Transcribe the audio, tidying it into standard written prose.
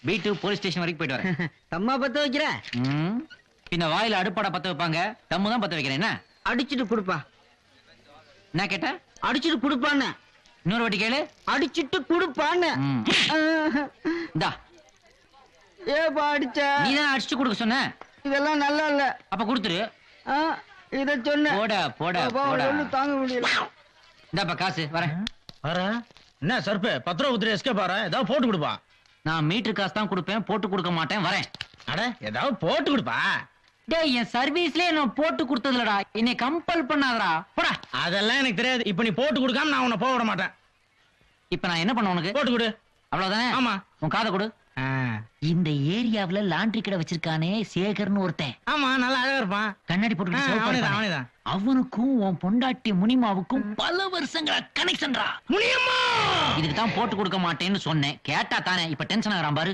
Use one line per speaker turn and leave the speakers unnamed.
B2 police station வரைக்கும் போயிட்டு வரேன்.
தம்மா பத்த வைக்கிற?
பின்ன வாயில அடுப்பாடா பத்த வைப்பாங்க, தம்மு தான் பத்த வைக்கிறேன். என்ன
அடிச்சிட்டு குடுப்பா.
என்ன கேட்ட?
அடிச்சிட்டு குடுப்பான்னு.
இன்னொரு வாட்டி கேளு.
அடிச்சிட்டு குடுப்பான்னு.
இந்தா.
ஏப்பா அடிச்ச?
நீதான் அடிச்சு கொடுக்க சொன்ன.
இதெல்லாம் நல்லா இல்ல.
அப்ப கொடுத்துரு.
இத சொன்ன.
போடா போடா போடா.
தாங்க முடியல.
இந்தாப்பா காசு வரேன்.
என்ன சர்பே 10 ரூபா குத்துரு எஸ்கே பாரு, ஏதாவது போட்டு கொடுப்பா.
நான் மீட்டர் காசு தான் கொடுப்பேன், போட்டு கொடுக்க மாட்டேன். வரேன்.
அட ஏதாவது போட்டு கொடுப்பா.
டேய் என் சர்வீஸ்லயே நான் போட்டு கொடுத்ததுலடா, என்னை கம்பல் பண்ணாதடா. போடா.
அதெல்லாம் எனக்கு தெரியாது. இப்ப நீ போட்டு கொடுக்காம நான் உன்னை போக விட மாட்டேன்.
இப்ப நான் என்ன பண்ண உனக்கு?
போட்டு கொடு.
அவ்வளவுதானே?
ஆமா.
உன் காதை கொடு. இந்த ஏரியாவுல லாண்டரி கடை வச்சிருக்கானே சேகர்னு ஒருத்தன்.
ஆமா, நல்லா அழகா இருப்பான்.
கண்ணாடி போட்டு
அவனேதான்.
அவனுக்கும் உன் பொண்டாட்டி முனிமாவுக்கும் பல வருஷங்களா கனெக்ஷன்டா.
முனியம்மா
இதுக்கு தான் போட்டு கொடுக்க மாட்டேன்னு சொன்னேன். கேட்டா தானே இப்ப டென்ஷன் ஆகுறான் பாரு.